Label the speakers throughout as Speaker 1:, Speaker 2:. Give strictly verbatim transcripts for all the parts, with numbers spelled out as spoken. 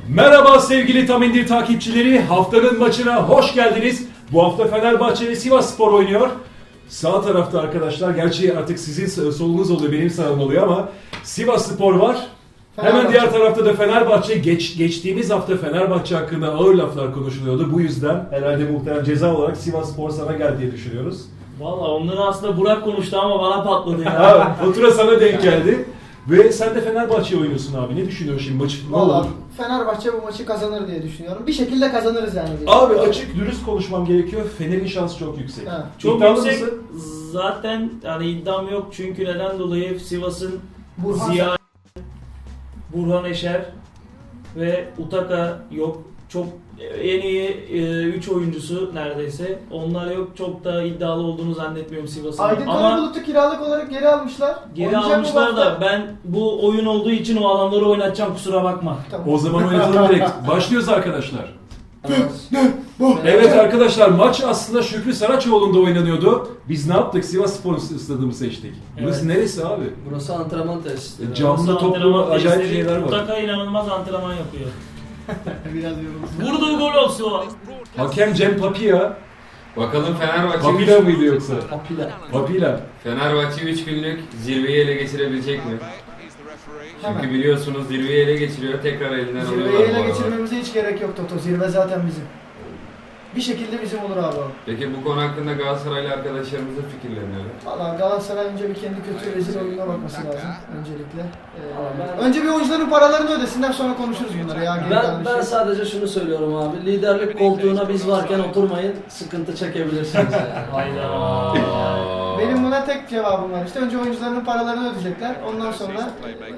Speaker 1: Merhaba sevgili Tam İndir takipçileri, haftanın maçına hoş geldiniz. Bu hafta Fenerbahçe ve Sivasspor oynuyor. Sağ tarafta arkadaşlar, gerçi artık sizin solunuz oluyor, benim sağım oluyor ama Sivasspor var. Hemen diğer tarafta da Fenerbahçe. Geç, geçtiğimiz hafta Fenerbahçe hakkında ağır laflar konuşuluyordu. Bu yüzden herhalde muhtemelen ceza olarak Sivasspor sana geldi diye düşünüyoruz.
Speaker 2: Valla onları aslında Burak konuştu ama bana patladı ya.
Speaker 1: Ha, fatura sana denk geldi. Ve sen de Fenerbahçe oynuyorsun abi. Ne düşünüyorsun şimdi maçı? Ne
Speaker 3: Valla
Speaker 1: olur?
Speaker 3: Fenerbahçe bu maçı kazanır diye düşünüyorum. Bir şekilde kazanırız yani. diye.
Speaker 1: Abi açık dürüst konuşmam gerekiyor. Fener'in şansı çok yüksek.
Speaker 3: Ha.
Speaker 2: Çok
Speaker 1: İddialı
Speaker 2: yüksek.
Speaker 1: mısın?
Speaker 2: Zaten hani iddiam yok çünkü neden dolayı Sivas'ın
Speaker 3: Burhan
Speaker 2: Ziya, Burhan Eşer ve Utaka yok. Çok en iyi üç oyuncusu neredeyse. Onlar yok. Çok da iddialı olduğunu zannetmiyorum Sivas'ın.
Speaker 3: Aydın
Speaker 2: Ama
Speaker 3: Karabulut'u kiralık olarak geri almışlar.
Speaker 2: geri
Speaker 3: Oynayacak mı
Speaker 2: almışlar
Speaker 3: bu
Speaker 2: da
Speaker 3: hafta?
Speaker 2: ben bu oyun olduğu için o adamları oynatacağım, kusura bakma.
Speaker 3: Tamam.
Speaker 1: O zaman oynatalım direkt. Başlıyoruz arkadaşlar. Evet arkadaşlar, maç aslında Şükrü Saraçoğlu'nda oynanıyordu. Biz ne yaptık? Sivasspor stadını seçtik. Burası
Speaker 2: Evet.
Speaker 1: neresi abi?
Speaker 4: Burası antrenman tesisleri.
Speaker 1: Camlı
Speaker 2: Nasıl
Speaker 1: toplu
Speaker 2: antrenman
Speaker 1: acayip
Speaker 2: testleri,
Speaker 1: şeyler var.
Speaker 2: Utaka inanılmaz antrenman yapıyor.
Speaker 3: Biraz yorulmuş.
Speaker 2: Vurduğu gol olsun o.
Speaker 1: Hakem Cem Papia.
Speaker 5: Bakalım Fenerbahçe
Speaker 1: Papila
Speaker 5: üç
Speaker 1: mıydı yoksa?
Speaker 4: Papila.
Speaker 1: Papila.
Speaker 5: Fenerbahçe üç günlük zirveyi ele geçirebilecek mi? Çünkü
Speaker 3: Hemen.
Speaker 5: biliyorsunuz zirveyi ele geçiriyor, tekrar elinden alıyorlar
Speaker 3: Zirveyi
Speaker 5: bu
Speaker 3: ele
Speaker 5: aralar.
Speaker 3: geçirmemize hiç gerek yok Toto. Zirve zaten bizim. Bir şekilde bizim olur abi o.
Speaker 5: Peki bu konu hakkında Galatasaraylı arkadaşlarımızın fikirleri neler?
Speaker 3: Valla Galatasaray önce bir kendi kötü rezil oyununa bakması lazım öncelikle. Ee,
Speaker 4: ben-
Speaker 3: önce bir oyuncuların paralarını ödesinler, sonra konuşuruz bunları ya. Geri
Speaker 4: Ben,
Speaker 3: kalan
Speaker 4: ben
Speaker 3: şey.
Speaker 4: sadece şunu söylüyorum abi. Liderlik koltuğuna biz varken oturmayın. Sıkıntı çekebilirsiniz yani.
Speaker 2: Hayda.
Speaker 3: Benim buna tek cevabım var işte. Önce oyuncuların paralarını ödeyecekler. Ondan sonra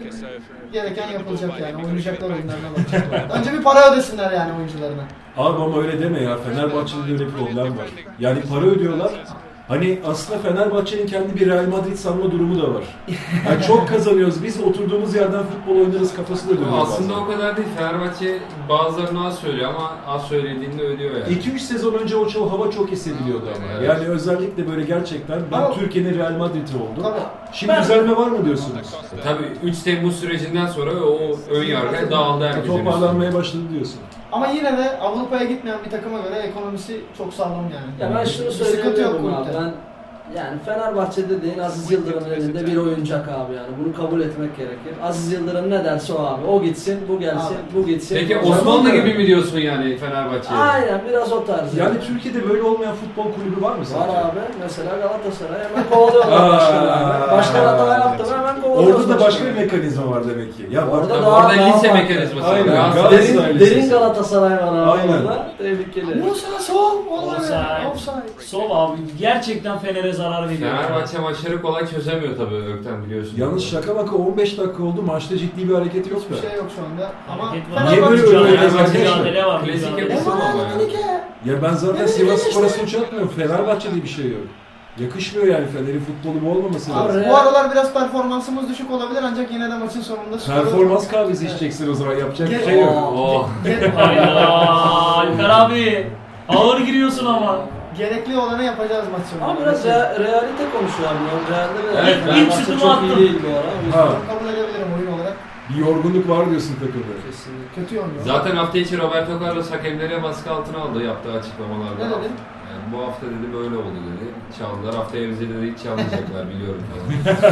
Speaker 3: gereken yapılacak yani. Oynayacaklar oyunlarına bakacaklar. Önce bir para ödesinler yani oyuncularına.
Speaker 1: Abi ama öyle deme ya. Fenerbahçe'de öyle bir problem var. Yani para ödüyorlar. Hani aslında Fenerbahçe'nin kendi bir Real Madrid sanma durumu da var. Yani çok kazanıyoruz. Biz oturduğumuz yerden futbol oynarız kafasında dönüyor
Speaker 5: Aslında
Speaker 1: bazen.
Speaker 5: o kadar değil. Fenerbahçe bazılarını az söylüyor ama az söylediğinde ödüyor yani.
Speaker 1: iki üç sezon önce o çok, hava çok hissediliyordu ama.
Speaker 5: Evet.
Speaker 1: Yani özellikle böyle gerçekten ben
Speaker 3: Ama-
Speaker 1: Türkiye'nin Real Madrid'i oldum.
Speaker 3: Tabii.
Speaker 1: Şimdi
Speaker 2: Ben-
Speaker 1: düzelme var mı diyorsunuz?
Speaker 5: Tabii üç Temmuz sürecinden sonra o ön yargı dağıldı herkesin üstüne.
Speaker 1: Toparlanmaya başladı diyorsun.
Speaker 3: Ama yine de Avrupa'ya gitmeyen bir takıma göre ekonomisi çok sağlam yani.
Speaker 4: Ya ben şunu
Speaker 3: Bir sıkıntı yok
Speaker 4: söyleyemiyorum abi.
Speaker 3: kulüpte.
Speaker 4: Ben yani Fenerbahçe dediğin Aziz Yıldırım'ın elinde bir oyuncak abi yani. Bunu kabul etmek gerekir. Aziz Yıldırım ne derse o abi. O gitsin, bu gelsin,
Speaker 3: Abi.
Speaker 4: bu gitsin.
Speaker 5: Peki
Speaker 4: bu-
Speaker 5: Osmanlı gibi mi diyorsun yani Fenerbahçe'ye?
Speaker 4: Aynen biraz o tarz.
Speaker 1: Yani Türkiye'de böyle olmayan futbol kulübü var mı
Speaker 4: Var
Speaker 1: sence?
Speaker 4: abi. Mesela Galatasaray hemen kovalıyorlar başkanı abi. Başkan hata yaptı mı hemen kovalıyorlar.
Speaker 1: Orada da başka bir mekanizma var demek ki. Ya bak,
Speaker 4: Orada
Speaker 5: Tabii
Speaker 4: daha-
Speaker 5: orada
Speaker 4: daha
Speaker 5: lise
Speaker 4: farklı.
Speaker 5: mekanizması var.
Speaker 1: Aynen.
Speaker 5: Galatasaray-
Speaker 1: Galatasaray
Speaker 4: Derin,
Speaker 1: lisesi.
Speaker 4: derin Galatasaray var abi
Speaker 1: Aynen.
Speaker 4: orada. Tehlikeli.
Speaker 3: Musa sol. Vallahi
Speaker 2: Offside.
Speaker 3: offside.
Speaker 2: Sol abi gerçekten Fener'e zarar veriyor.
Speaker 5: Fenerbahçe maçları kolay çözemiyor tabii Ökten biliyorsun.
Speaker 1: Yalnız şaka maka on beş dakika oldu, maçta ciddi bir hareket yok
Speaker 3: Hiçbir
Speaker 1: da.
Speaker 3: şey yok şu anda. Ama
Speaker 2: Hareket var.
Speaker 1: Niye böyle
Speaker 3: Fenerbahçe-
Speaker 1: öyle
Speaker 2: Mücadele
Speaker 1: öyle
Speaker 2: var, mücadele var.
Speaker 5: Klasik
Speaker 2: mücadele.
Speaker 5: yapısı
Speaker 3: Emanuel
Speaker 5: ama yani.
Speaker 3: Menike.
Speaker 1: Ya ben zaten
Speaker 3: Evet,
Speaker 1: Sivas
Speaker 3: evet,
Speaker 1: Spor'a
Speaker 3: işte.
Speaker 1: suç atmıyorum. Fenerbahçe'de bir şey yok. Yakışmıyor yani, Fener'in futbolu bu olmaması
Speaker 3: Abi,
Speaker 1: lazım.
Speaker 3: bu aralar biraz performansımız düşük olabilir ancak yine de maçın sonunda skoru-
Speaker 1: Performans kahvesi içeceksin o zaman, yapacak bir
Speaker 3: Gel-
Speaker 1: şey yok.
Speaker 5: Oh.
Speaker 3: Ge-
Speaker 2: Hayda. Alper abi. Ağır giriyorsun ama.
Speaker 3: Gerekli olanı yapacağız maç sonunda.
Speaker 4: Ama biraz rea- realite konuşuyor abi. O Realde de
Speaker 5: Evet, ben
Speaker 4: Fenerbahçe
Speaker 2: şutumu
Speaker 4: çok
Speaker 2: attım.
Speaker 4: iyi değil bu ara. O yüzden
Speaker 1: Ha.
Speaker 3: Kabul edebilirim oyun olarak.
Speaker 1: Bir yorgunluk var diyorsun takımda.
Speaker 4: kesinlikle.
Speaker 3: Kötü oynuyor.
Speaker 5: Zaten hafta içi Roberto Carlos hakemlere baskı altına aldı yaptığı açıklamalarda.
Speaker 3: Ne dedi?
Speaker 5: Yani bu hafta dedi böyle oldu dedi. Çaldılar, haftaya bize dedi hiç çalmayacaklar biliyorum falan.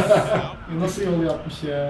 Speaker 3: Nasıl yol yapmış ya?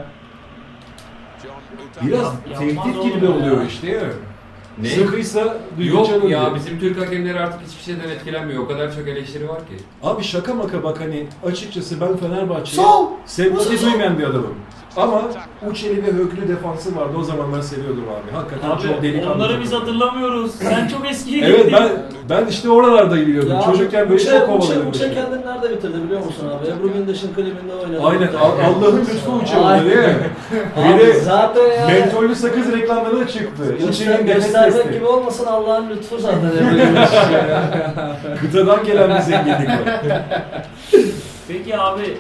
Speaker 1: Biraz
Speaker 2: Yapmaz
Speaker 1: tehdit
Speaker 2: oğlum
Speaker 1: gibi
Speaker 2: ya.
Speaker 1: oluyor işte ya.
Speaker 5: Ne?
Speaker 1: Sıkıysa düdük
Speaker 5: Yok
Speaker 1: çalın
Speaker 5: ya
Speaker 1: diyor.
Speaker 5: bizim Türk hakemleri artık hiçbir şeyden etkilenmiyor. O kadar çok eleştiri var ki.
Speaker 1: Abi şaka maka bak, hani açıkçası ben Fenerbahçe'ye
Speaker 3: Sol!
Speaker 1: sempati duymayan bir adamım. Ama Uçeli ve Höglü defansı vardı, o zaman ben seviyordum abi. Hakikaten çok
Speaker 2: Abi
Speaker 1: delikanlı.
Speaker 2: onları biz
Speaker 1: takım.
Speaker 2: hatırlamıyoruz. Sen çok eskiye
Speaker 1: Evet,
Speaker 2: gittin.
Speaker 1: ben ben işte oralarda biliyordum. Çocukken böyle çok kovalıyordum.
Speaker 4: Uçe kendini nerede bitirdi biliyor musun abi? Ebru Gündeş'in klibinde oynadı.
Speaker 1: Aynen, Al- Allah'ın lütfu Uçeli
Speaker 4: Aynen.
Speaker 1: değil mi?
Speaker 4: Abi
Speaker 1: Bir de
Speaker 4: zaten yani
Speaker 1: mentollü sakız reklamları çıktı.
Speaker 4: göster,
Speaker 1: Uçeli'nin nefes
Speaker 4: göstermek
Speaker 1: testi.
Speaker 4: gibi olmasın Allah'ın lütfu zaten Ebru Gündeş.
Speaker 1: Kıtadan gelen bir zenginlik var.
Speaker 2: Peki abi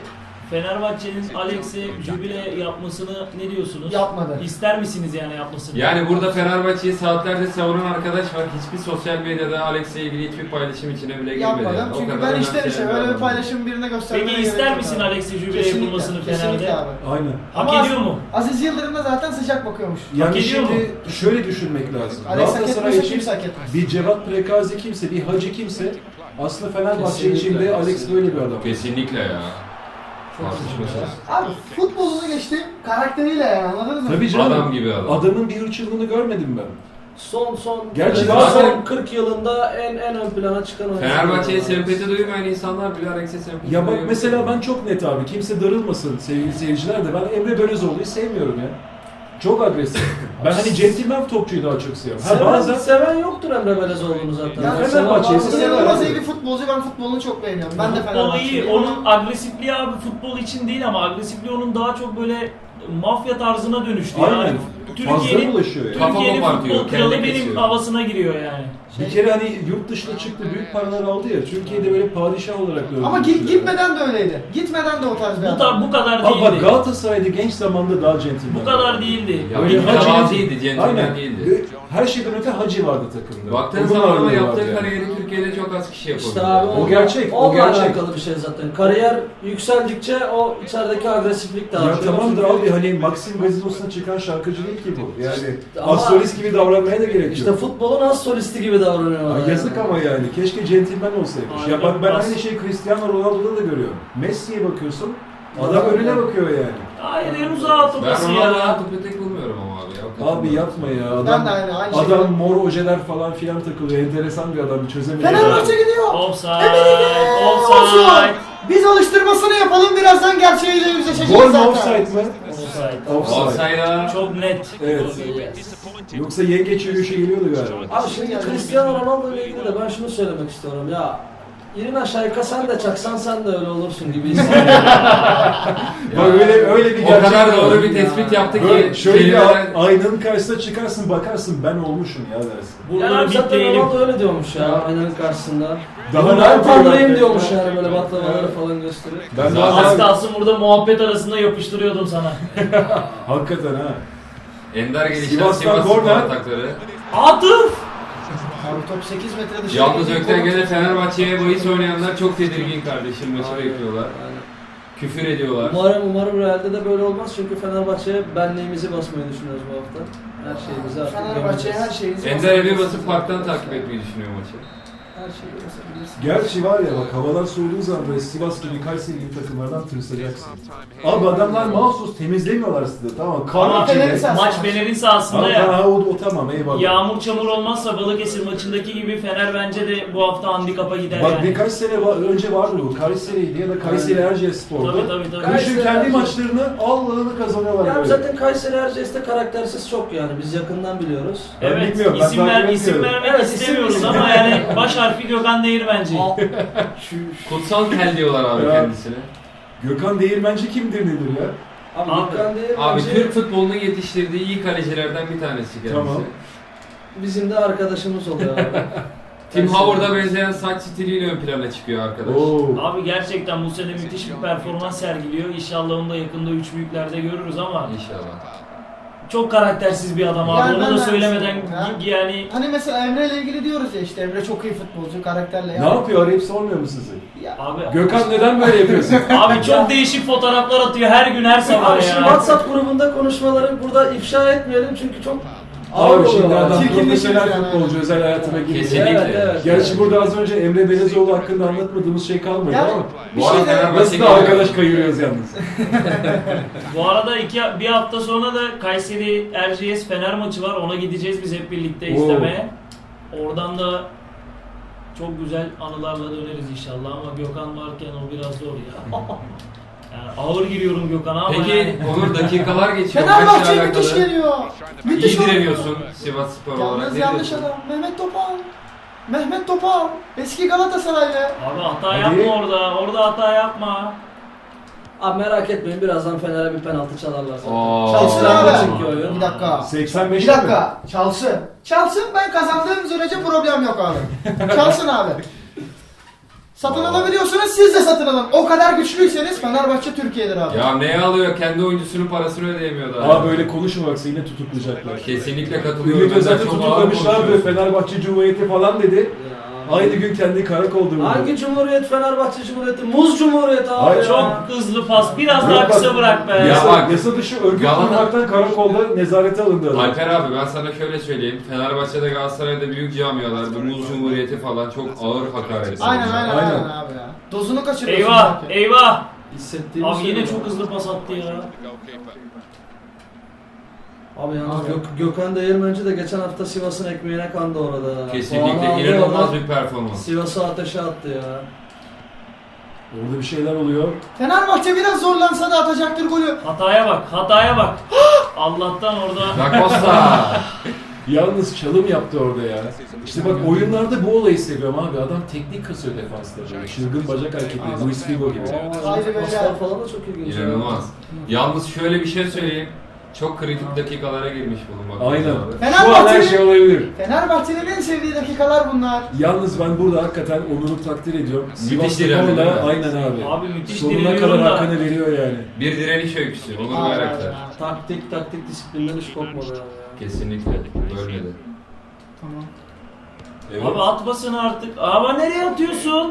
Speaker 2: Fenerbahçe'nin Alex'e jübile yapmasını ne diyorsunuz?
Speaker 3: Yapmadı.
Speaker 2: İster misiniz yani yapmasını?
Speaker 5: Yani burada Fenerbahçe'yi saatlerce savunan arkadaş var. Hiçbir sosyal medyada Alex'le ilgili hiçbir paylaşım içine bile girmedi.
Speaker 3: Yapmadım.
Speaker 5: yani. O
Speaker 3: Çünkü
Speaker 5: kadar
Speaker 3: ben içten
Speaker 5: önemseyen
Speaker 3: içe öyle bir
Speaker 5: adam.
Speaker 3: paylaşım birine göstermeye
Speaker 2: Peki
Speaker 3: gerek
Speaker 2: ister
Speaker 3: yok
Speaker 2: misin
Speaker 3: abi.
Speaker 2: Alex'e jübile
Speaker 3: Kesinlikle,
Speaker 2: yapılmasını
Speaker 3: kesinlikle
Speaker 2: Fener'de?
Speaker 3: abi.
Speaker 1: Aynen.
Speaker 2: Hak
Speaker 3: Ama
Speaker 2: ediyor mu?
Speaker 3: Aziz Yıldırım da zaten sıcak bakıyormuş.
Speaker 1: Yani
Speaker 2: ediyor
Speaker 1: şimdi şöyle düşünmek lazım.
Speaker 3: Alex hak
Speaker 1: Galatasaray
Speaker 3: etmese
Speaker 1: için
Speaker 3: kimse hak etmez.
Speaker 1: bir Cevat Prekazi kimse, bir Hacı kimse aslında Fenerbahçe
Speaker 4: Kesinlikle,
Speaker 1: için de Alex
Speaker 4: kesinlikle.
Speaker 1: böyle bir adam.
Speaker 5: Kesinlikle ya. Tartışmasız.
Speaker 3: Abi futbolunu geçtim karakteriyle yani anladınız mı?
Speaker 1: Tabii canım.
Speaker 5: Adam gibi adam.
Speaker 1: Adamın bir hırçınlığını görmedim ben.
Speaker 4: Son son
Speaker 1: Gerçi
Speaker 4: son
Speaker 1: bazen-
Speaker 4: kırk yılında en en ön plana çıkan oyuncu.
Speaker 5: Fenerbahçe'ye sempati duymayan insanlar bile Alex'e sempati
Speaker 1: Ya bak
Speaker 5: duyuyor.
Speaker 1: mesela ben çok net abi. Kimse darılmasın sevgili seyirciler de. Ben Emre Belözoğlu'yu sevmiyorum ya. Çok agresif. Ben hani centilmen topçuyu daha çok seviyorum. Ha
Speaker 4: Seven,
Speaker 1: bazen
Speaker 4: seven yoktur Emre Belezoğlu'nu zaten.
Speaker 3: Ya
Speaker 4: Seven
Speaker 1: Fenerbahçe'yi
Speaker 4: varsa
Speaker 1: sever
Speaker 3: İnanılmaz
Speaker 1: abi.
Speaker 3: iyi bir futbolcu, ben futbolunu çok beğeniyorum. Ben de
Speaker 2: Futbol iyi.
Speaker 3: Fenerbahçeliyim.
Speaker 2: Onun agresifliği abi futbol için değil ama agresifliği onun daha çok böyle mafya tarzına dönüştü.
Speaker 1: Aynen.
Speaker 2: Yani
Speaker 1: Fazla
Speaker 2: Türkiye'nin
Speaker 1: bulaşıyor yani.
Speaker 5: Kafama
Speaker 2: Türkiye'nin
Speaker 5: bakıyor,
Speaker 2: futbol kralı
Speaker 5: kelle
Speaker 2: benim
Speaker 5: kesiyor.
Speaker 2: havasına giriyor yani.
Speaker 1: bir kere hani yurt dışına çıktı, büyük paralar aldı ya. Türkiye'de böyle padişah olarak gördüm.
Speaker 3: Ama git, gitmeden de öyleydi. Gitmeden de o tarz bir
Speaker 2: Bu,
Speaker 3: adam.
Speaker 2: ta, bu kadar
Speaker 1: Ama bak
Speaker 2: değildi.
Speaker 1: Galatasaray'da genç zamanda daha centilmen.
Speaker 2: Bu kadar değildi.
Speaker 5: Ya
Speaker 1: Öyle
Speaker 5: bir
Speaker 1: Hacı-
Speaker 5: mütevazıydı, centilmen
Speaker 1: Aynen.
Speaker 5: değildi.
Speaker 1: Ve her şeyden öte Hacı vardı takımda.
Speaker 5: Baktığın
Speaker 1: Onun
Speaker 5: zaman ama
Speaker 1: ağırlığı
Speaker 5: yaptığı
Speaker 1: vardı yani.
Speaker 5: kariyeri Türkiye'de çok az kişi yapabiliyor.
Speaker 4: İşte abi
Speaker 1: O gerçek, o
Speaker 4: onunla
Speaker 1: gerçek.
Speaker 4: alakalı bir şey zaten. Kariyer yükseldikçe o içerideki agresiflik de
Speaker 1: Ya
Speaker 4: artıyor.
Speaker 1: tamam da
Speaker 4: Çünkü
Speaker 1: abi hani Maxim gazinosuna çıkan şarkıcı değil ki bu. Yani
Speaker 4: Ama-
Speaker 1: astrolist gibi davranmaya da gerek
Speaker 4: İşte
Speaker 1: yok.
Speaker 4: futbolun az solisti gibi davranıyorlar.
Speaker 1: Ya yazık ama yani. Keşke centilmen olsaymış.
Speaker 2: Aynen.
Speaker 1: Ya bak ben
Speaker 2: Bas.
Speaker 1: aynı şeyi Cristiano Ronaldo'da da görüyorum. Messi'ye bakıyorsun. Adam önüne bakıyor yani.
Speaker 2: Hayır en uzağa
Speaker 5: Ben
Speaker 2: atılması
Speaker 5: Ronaldo'yu
Speaker 2: ya.
Speaker 5: tek bulmuyorum ama abi ya.
Speaker 1: Abi yapma ya. Adam,
Speaker 3: Ben de aynı, aynı şekilde.
Speaker 1: adam mor ojeler falan filan takılıyor. Enteresan bir adam. Çözemiyor.
Speaker 3: Fenerbahçe gidiyor.
Speaker 2: Offside.
Speaker 3: Olsun.
Speaker 2: Offside.
Speaker 3: Biz alıştırmasını yapalım, birazdan gerçeğiyle yüzleşeceğiz
Speaker 1: Gol mü
Speaker 3: zaten.
Speaker 1: offside mi?
Speaker 2: Offside.
Speaker 1: Offside.
Speaker 5: Olsaydı
Speaker 2: Çok net.
Speaker 1: Evet. Yoksa yengeç yürüyüşe geliyordu galiba.
Speaker 4: Abi şimdi Cristiano Ronaldo ile ilgili de ben şunu söylemek istiyorum ya. İrin Şayka sen de çaksan sen de öyle olursun gibi hissediyorum.
Speaker 1: Bak öyle öyle bir
Speaker 5: o
Speaker 1: gerçek
Speaker 5: kadar
Speaker 1: var.
Speaker 5: doğru bir tespit yaptı
Speaker 1: Böyle
Speaker 5: ki
Speaker 1: şöyle bir
Speaker 5: kelimeler-
Speaker 1: a- aynanın karşısına çıkarsın bakarsın ben olmuşum ya dersin.
Speaker 4: Yani
Speaker 2: Buraları
Speaker 4: abi zaten
Speaker 2: bitleyelim.
Speaker 4: Ronaldo öyle diyormuş ya aynanın karşısında.
Speaker 1: Daha
Speaker 4: Daha
Speaker 1: ne
Speaker 4: ben
Speaker 1: yapıyor
Speaker 4: tanrıyım
Speaker 1: bak?
Speaker 4: diyormuş yani böyle baklavaları falan gösterip.
Speaker 1: Ben
Speaker 5: Zaten-
Speaker 2: Az
Speaker 1: daha
Speaker 2: kalsın burada muhabbet arasında yapıştırıyordum sana.
Speaker 1: hakikaten ha.
Speaker 5: Ender gelişen
Speaker 1: Sivas'tan
Speaker 5: Sivas Spor
Speaker 1: korner.
Speaker 5: atakları.
Speaker 2: Atıf!
Speaker 3: Abi top sekiz metre dışarı.
Speaker 5: Yalnız
Speaker 3: gidiyor.
Speaker 5: Ökten gene Fenerbahçe'ye bahis oynayanlar çok tedirgin kardeşim. Maçı bekliyorlar.
Speaker 4: Aynen.
Speaker 5: Küfür ediyorlar.
Speaker 4: Umarım umarım Real'de de böyle olmaz çünkü Fenerbahçe'ye benliğimizi basmayı düşünüyoruz bu hafta. Her şeyimizi artık
Speaker 3: Fenerbahçe'ye her
Speaker 4: gömeceğiz.
Speaker 3: şeyinizi
Speaker 5: Ender evi basıp parktan takip etmeyi düşünüyor maçı.
Speaker 3: Her şeyi basabilirsin.
Speaker 1: Gerçi var ya bak havalar soğuduğu zaman böyle Sivas gibi Kayseri gibi takımlardan tırsacaksın. Abi adamlar mahsus temizlemiyorlar sizi tamam mı?
Speaker 2: Ama
Speaker 1: Kan içinde.
Speaker 3: Fener'in sahası.
Speaker 2: Maç Fener'in sahasında
Speaker 1: Ha,
Speaker 2: ya.
Speaker 1: ha, o, o tamam eyvallah.
Speaker 2: Yağmur çamur olmazsa Balıkesir maçındaki gibi Fener bence de bu hafta handikapa gider
Speaker 1: Bak
Speaker 2: yani.
Speaker 1: birkaç sene va- önce vardı bu. Kayseri'ydi ya da Kayseri Erciyesspor'du.
Speaker 2: Tabii tabii tabii.
Speaker 4: Kayseri-
Speaker 1: Düşün kendi maçlarını Allah'ını kazanıyorlar
Speaker 4: Yani
Speaker 1: böyle.
Speaker 4: zaten Kayseri Erciyes'te karaktersiz çok yani biz yakından biliyoruz.
Speaker 1: Ben
Speaker 2: Evet,
Speaker 1: bilmiyorum, ben
Speaker 2: isim, ver,
Speaker 1: takip
Speaker 2: isim
Speaker 1: etmiyorum.
Speaker 2: vermek
Speaker 4: Evet, isim
Speaker 2: istemiyoruz
Speaker 4: bilmiyorum.
Speaker 2: ama yani baş harfi Gökhan Değirmenci.
Speaker 4: Al- şu, şu.
Speaker 5: Kutsal kel diyorlar abi
Speaker 1: Ya.
Speaker 5: kendisine.
Speaker 1: Gökhan Değirmenci kimdir nedir ya?
Speaker 4: Abi,
Speaker 2: Abi-
Speaker 4: Gökhan değil
Speaker 5: Abi
Speaker 4: bence
Speaker 5: Türk futbolunun yetiştirdiği iyi kalecilerden bir tanesi kendisi.
Speaker 1: Tamam.
Speaker 4: bizim de arkadaşımız oluyor abi.
Speaker 5: Tim Howard'a benzeyen saç stiliyle ön plana çıkıyor arkadaş.
Speaker 1: Oo.
Speaker 2: Abi gerçekten bu sene müthiş bir performans sergiliyor. İnşallah onu da yakında üç büyüklerde görürüz ama
Speaker 5: İnşallah.
Speaker 2: çok karaktersiz bir adam abi.
Speaker 3: Yani
Speaker 2: Onu
Speaker 3: ben
Speaker 2: da
Speaker 3: de-
Speaker 2: söylemeden
Speaker 3: Ha?
Speaker 2: yani
Speaker 3: Hani mesela Emre ile ilgili diyoruz ya işte Emre çok iyi futbolcu, karakterle
Speaker 1: Ne yapıyor arayıp sormuyor mu sizi?
Speaker 3: Ya,
Speaker 2: abi
Speaker 1: Gökhan neden böyle yapıyorsun?
Speaker 2: abi çok değişik fotoğraflar atıyor her gün her sabah
Speaker 4: Abi şimdi
Speaker 2: ya.
Speaker 4: WhatsApp grubunda konuşmaları burada ifşa etmeyelim çünkü çok ağır
Speaker 1: Abi şimdi
Speaker 4: oluyorlar.
Speaker 1: adam
Speaker 3: Çirkinleşir
Speaker 1: profesyonel
Speaker 3: yani.
Speaker 1: futbolcu özel hayatına giriyor.
Speaker 5: Kesinlikle.
Speaker 4: Evet, evet.
Speaker 1: Gerçi burada az önce Emre Belezoğlu hakkında anlatmadığımız şey kalmadı
Speaker 3: Yani
Speaker 1: ama
Speaker 3: bir
Speaker 5: Bu arada
Speaker 3: şey de
Speaker 5: Fenerbahçe
Speaker 1: nasıl da
Speaker 5: geliyor.
Speaker 1: arkadaş kayırıyoruz yalnız.
Speaker 2: Bu arada iki, bir hafta sonra da Kayseri Erciyes Fener maçı var. Ona gideceğiz biz hep birlikte
Speaker 1: Oo.
Speaker 2: izlemeye. Oradan da çok güzel anılarla döneriz inşallah ama Gökhan varken o biraz zor ya. Yani ağır giriyorum Gökhan'a ama
Speaker 5: Peki
Speaker 2: yani.
Speaker 5: Onur dakikalar geçiyor. Maçla
Speaker 3: Fenerbahçe müthiş
Speaker 5: alakalı.
Speaker 3: geliyor. Müthiş
Speaker 5: İyi
Speaker 3: oynuyor.
Speaker 5: direniyorsun Sivas Spor olarak.
Speaker 3: Yalnız
Speaker 5: Ne
Speaker 3: yanlış
Speaker 5: diyorsun?
Speaker 3: adam. Mehmet Topal. Mehmet Topal. Eski Galatasaraylı.
Speaker 2: Abi hata
Speaker 1: Hadi.
Speaker 2: yapma orada. Orada hata yapma.
Speaker 4: Abi merak etmeyin birazdan Fener'e bir penaltı çalarlar zaten.
Speaker 5: Oo.
Speaker 3: Çalsın
Speaker 4: Çalsın
Speaker 3: abi.
Speaker 4: çünkü oyun.
Speaker 3: Bir dakika.
Speaker 1: seksen
Speaker 3: Bir
Speaker 1: beşte mi?
Speaker 3: dakika. Çalsın. Çalsın ben kazandığım sürece problem yok abi. Çalsın abi. Satın
Speaker 5: Aa.
Speaker 3: alabiliyorsunuz, siz de satın alın. O kadar güçlüyseniz Fenerbahçe Türkiye'dir abi.
Speaker 5: Ya neye alıyor? Kendi oyuncusunun parasını ödeyemiyordu.
Speaker 1: Abi böyle konuşma bak seni yine tutuklayacaklar.
Speaker 5: Kesinlikle katılıyorum.
Speaker 1: Ümit Özel'i
Speaker 5: Çok ağır
Speaker 1: tutuklamışlardı.
Speaker 5: konuşuyorsun.
Speaker 1: Fenerbahçe Cumhuriyeti falan dedi.
Speaker 4: Ya abi.
Speaker 1: Aynı gün kendi karakolda buldu.
Speaker 4: Hangi cumhuriyet? Fenerbahçe Cumhuriyeti. Muz Cumhuriyeti abi.
Speaker 1: Hayır,
Speaker 4: ya.
Speaker 2: Çok hızlı pas. Biraz
Speaker 1: Yok
Speaker 2: daha
Speaker 1: bak,
Speaker 2: kısa bırak be.
Speaker 5: Ya
Speaker 1: Yasa,
Speaker 5: bak.
Speaker 1: yasa dışı örgüt
Speaker 5: Yalan-
Speaker 1: kurmaktan karakolda nezarete alındı adam.
Speaker 5: Alper abi ben sana şöyle söyleyeyim. Fenerbahçe'de Galatasaray'da büyük camialar, bu Muz Cumhuriyeti falan çok ağır hakaret.
Speaker 3: Aynen aynen
Speaker 1: Aynen.
Speaker 3: aynen abi ya. Dozunu kaçırıyorsun.
Speaker 2: Eyvah,
Speaker 3: belki.
Speaker 2: eyvah.
Speaker 4: Hissettiğim
Speaker 2: Abi
Speaker 4: şey
Speaker 2: yine
Speaker 4: bu.
Speaker 2: çok hızlı pas attı ya.
Speaker 4: Abi yalnız
Speaker 3: Abi.
Speaker 4: Gök- Gökhan Değirmenci de geçen hafta Sivas'ın ekmeğine kandı orada.
Speaker 5: Kesinlikle
Speaker 4: Puanı aldı
Speaker 5: inanılmaz
Speaker 4: oradan.
Speaker 5: bir performans.
Speaker 4: Sivas'ı ateşe attı ya.
Speaker 1: Orada bir şeyler oluyor.
Speaker 3: Fenerbahçe biraz zorlansa da atacaktır golü.
Speaker 2: Hataya bak, hataya bak. Allah'tan orada.
Speaker 5: Da Costa.
Speaker 1: Yalnız çalım yaptı orada ya. İşte bak oyunlarda bu olayı seviyorum abi. Adam teknik kasıyor defansta. Böyle çılgın bacak hareketleri. Luis Figo gibi.
Speaker 4: Aa,
Speaker 3: Haydi beyler.
Speaker 4: paslar falan da çok ilginç.
Speaker 5: İnanılmaz. Yalnız şöyle bir şey söyleyeyim. Çok kritik dakikalara girmiş bulunmak.
Speaker 1: Aynen.
Speaker 5: abi.
Speaker 1: Şu an her
Speaker 3: Fenerbahçe'nin
Speaker 1: şey olabilir.
Speaker 3: Fenerbahçe'nin en sevdiği dakikalar bunlar.
Speaker 1: Yalnız ben burada hakikaten Onur'u takdir ediyorum. Sivas
Speaker 5: direnme değil mi?
Speaker 1: Spor'la aynen abi.
Speaker 2: Abi müthiş
Speaker 1: Sonuna
Speaker 2: direniyorum
Speaker 1: kadar
Speaker 2: da.
Speaker 1: hakkını veriyor yani.
Speaker 5: Bir direniş öyküsü. Onur
Speaker 3: Aynen,
Speaker 5: Bayraktar.
Speaker 3: aynen.
Speaker 4: Taktik taktik disiplinden hiç kopmadı abi ya.
Speaker 5: Kesinlikle. Bölmedi.
Speaker 3: Tamam.
Speaker 1: Evet.
Speaker 2: Abi atmasın artık. Ama nereye atıyorsun?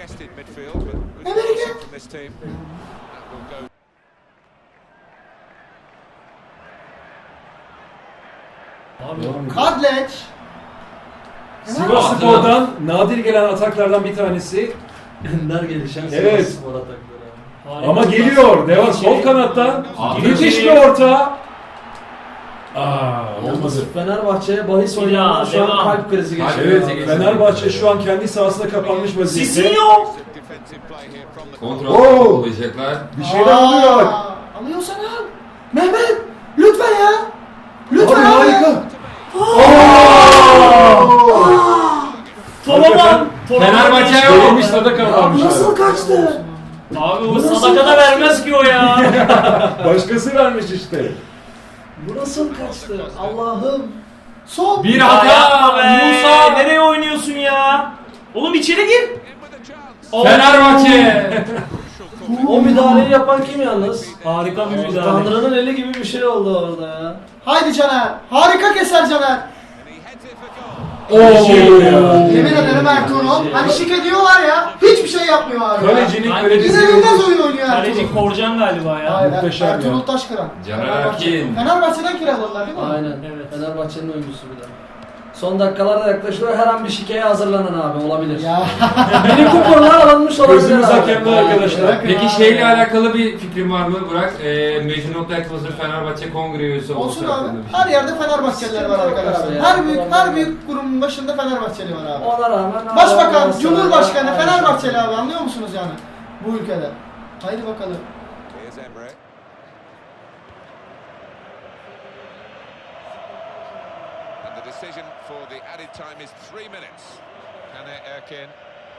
Speaker 2: Abi
Speaker 1: Devam ediyor.
Speaker 3: Kadleç.
Speaker 1: Sivas Spor'dan nadir gelen ataklardan bir tanesi.
Speaker 4: Ender gelişen
Speaker 1: Evet.
Speaker 4: Sivas Spor atakları abi.
Speaker 2: harika
Speaker 1: Ama
Speaker 2: pas.
Speaker 1: geliyor. Devam sol
Speaker 2: İçeri-
Speaker 1: kanattan.
Speaker 5: Abi.
Speaker 1: Müthiş bir orta. Aa, olmadı.
Speaker 4: Yalnız Fenerbahçe'ye bahis
Speaker 2: Bir
Speaker 4: oynayan
Speaker 2: daha,
Speaker 4: şu an
Speaker 2: devam.
Speaker 4: kalp krizi
Speaker 5: Kalp
Speaker 4: geçiriyor.
Speaker 1: Evet,
Speaker 5: krizi
Speaker 4: abi.
Speaker 5: geçiriyor.
Speaker 1: Fenerbahçe şu an kendi sahasına kapanmış vaziyette.
Speaker 2: Sisinho!
Speaker 5: Kontrol
Speaker 1: Oo.
Speaker 5: olacaklar.
Speaker 1: Bir şeyler oluyor bak.
Speaker 3: Alıyorsan al. Mehmet lütfen ya.
Speaker 1: Abi
Speaker 3: Lütfen abi.
Speaker 1: harika.
Speaker 2: Tolaman! Tolaman
Speaker 5: Fenerbahçe
Speaker 2: geçiyor.
Speaker 5: yok.
Speaker 1: Verilmiş sadaka varmış.
Speaker 4: Nasıl kaçtı?
Speaker 2: Abi o sadaka da vermez ki o ya.
Speaker 1: Başkası vermiş işte.
Speaker 4: Bu nasıl kaçtı? Allah'ım.
Speaker 3: Sol.
Speaker 5: Bir
Speaker 2: Ya
Speaker 5: hata.
Speaker 2: yapma be.
Speaker 5: Musa.
Speaker 2: Nereye oynuyorsun ya? Oğlum içeri gir.
Speaker 5: Fenerbahçe.
Speaker 4: O müdahaleyi yapan kim yalnız?
Speaker 2: Harika bir müdahale.
Speaker 4: Tanrı'nın eli gibi bir şey oldu orada ya.
Speaker 3: Haydi Caner. Harika keser Caner.
Speaker 1: Bir şey oluyor ya.
Speaker 3: Yemin ederim Ertuğrul. Hani şike diyorlar ya. Hiçbir şey yapmıyor abi. ya.
Speaker 1: Kalecinin
Speaker 2: Hangi-
Speaker 1: kalecisi.
Speaker 3: İnanılmaz oyun oynuyor Ertuğrul.
Speaker 2: Kaleci Korcan galiba ya.
Speaker 3: Hayır,
Speaker 1: Muhteşem ya.
Speaker 3: Ertuğrul Taşkıran.
Speaker 5: Caner
Speaker 3: Fenerbahçe.
Speaker 5: Erkin.
Speaker 3: Fenerbahçe'den kiraladılar değil mi?
Speaker 4: Aynen.
Speaker 2: Evet.
Speaker 4: Fenerbahçe'nin oyuncusu bir de. Son dakikalarda yaklaşıyor. Her an bir şikeye hazırlanın abi. Olabilir.
Speaker 3: Ya.
Speaker 4: Benim kuponlar alınmış olabilir
Speaker 1: Gözümüz
Speaker 4: abi.
Speaker 1: hakemde arkadaşlar.
Speaker 5: Peki şeyle alakalı bir fikrin var mı Burak? Ee, Mecnun Okyaklı'nın Fenerbahçe kongre üyesi olması
Speaker 3: Olsun abi.
Speaker 5: hakkında bir şey.
Speaker 3: Her yerde Fenerbahçeliler var arkadaşlar.
Speaker 4: Ya.
Speaker 3: Her büyük her büyük kurumun başında Fenerbahçeli var abi.
Speaker 4: Ona rağmen hala
Speaker 3: Başbakan,
Speaker 4: Galatasaray-
Speaker 3: Cumhurbaşkanı
Speaker 4: Aynen.
Speaker 3: Fenerbahçeli abi, anlıyor musunuz yani? Bu ülkede. Haydi bakalım.
Speaker 6: And the decision for the added time is three minutes. Caner Erkin.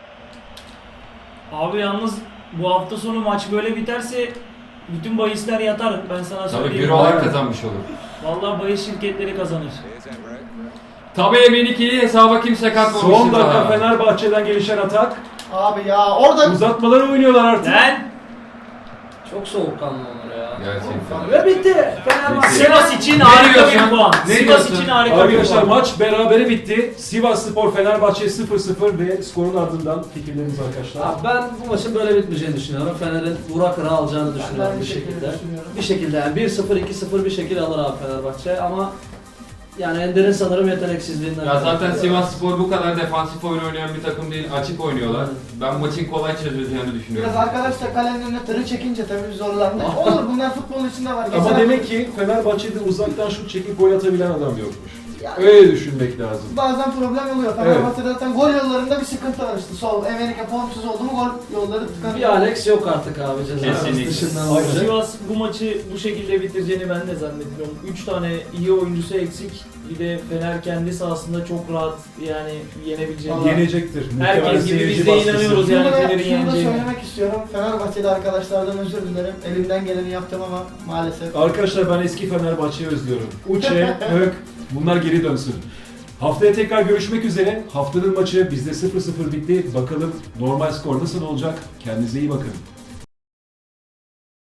Speaker 2: Abi yalnız bu hafta sonu maç böyle biterse bütün bahisler yatar. Ben sana
Speaker 5: Tabii
Speaker 2: söyleyeyim.
Speaker 5: bürolar kazanmış olur.
Speaker 2: Vallahi bahis şirketleri kazanır.
Speaker 6: Here's Emre.
Speaker 5: Tabii emin ikili hesaba kimse katmamıştır.
Speaker 1: Son dakika
Speaker 5: daha.
Speaker 1: Fenerbahçe'den gelişen atak.
Speaker 3: Abi ya orada
Speaker 1: Uzatmalara oynuyorlar artık.
Speaker 2: Lan!
Speaker 4: Çok soğukkanlı onlar ya.
Speaker 5: Gerçekten.
Speaker 4: Ve bitti. Fenerbahçe.
Speaker 2: Sivas için
Speaker 5: Ne
Speaker 2: harika
Speaker 5: diyorsun?
Speaker 2: bir puan.
Speaker 5: Ne
Speaker 2: Sivas
Speaker 5: diyorsun?
Speaker 2: için harika bir
Speaker 1: Arkadaşlar
Speaker 2: puan.
Speaker 1: maç berabere bitti. Sivas Spor Fenerbahçe sıfır sıfır ve skorun ardından fikirleriniz arkadaşlar.
Speaker 4: Abi ben bu maçın böyle bitmeyeceğini düşünüyorum. Fener'in Burak Kıra alacağını düşünüyorum
Speaker 3: aynı
Speaker 4: bir
Speaker 3: şekilde
Speaker 4: şekilde.
Speaker 3: düşünüyorum.
Speaker 4: Bir şekilde yani bir sıfır iki sıfır bir şekilde alır abi Fenerbahçe ama yani Ender'in sanırım yeteneksizliğinden.
Speaker 5: Ya zaten
Speaker 4: kaynaklı.
Speaker 5: Sivas Spor bu kadar defansif oyun oynayan bir takım değil, açık oynuyorlar. Ben maçın kolay çözüleceğini düşünüyorum.
Speaker 3: biraz arkadaşlar kalenin önüne tırı çekince tabii zorlandı. Olur, bunlar futbolun içinde var.
Speaker 1: Ama
Speaker 3: Geçen
Speaker 1: demek ki Fenerbahçe'de uzaktan şut çekip gol atabilen adam yokmuş.
Speaker 3: Yani-
Speaker 1: Öyle düşünmek lazım.
Speaker 3: bazen problem oluyor. Fenerbahçe'de zaten gol yollarında bir sıkıntı var işte. Sol, Amerika formsuz oldu mu gol yolları tıkanıyor.
Speaker 4: Bir Alex yok artık abi cezası
Speaker 5: Kesinlikle.
Speaker 4: dışından.
Speaker 1: Aynen.
Speaker 4: olacak.
Speaker 2: Sivas bu maçı bu şekilde bitireceğini ben de zannediyorum. üç tane iyi oyuncusu eksik. Bir de Fener kendi sahasında çok rahat yani yenebileceğini.
Speaker 1: Yenecektir.
Speaker 2: Herkes
Speaker 1: Muhtemelen
Speaker 2: gibi
Speaker 1: seyirci
Speaker 2: biz de
Speaker 1: baskısı.
Speaker 2: inanıyoruz
Speaker 3: Şunu
Speaker 2: yani
Speaker 3: da,
Speaker 2: Fener'in
Speaker 3: şunu da
Speaker 2: yeneceğini.
Speaker 3: söylemek istiyorum. Fenerbahçeli arkadaşlardan özür dilerim. Elimden geleni yaptım ama maalesef.
Speaker 1: Arkadaşlar ben eski Fenerbahçe'yi özlüyorum. Uçe, Hök, bunlar geri dönsün. Haftaya tekrar görüşmek üzere. Haftanın maçı bizde sıfır sıfır bitti. Bakalım normal skor nasıl olacak? Kendinize iyi bakın.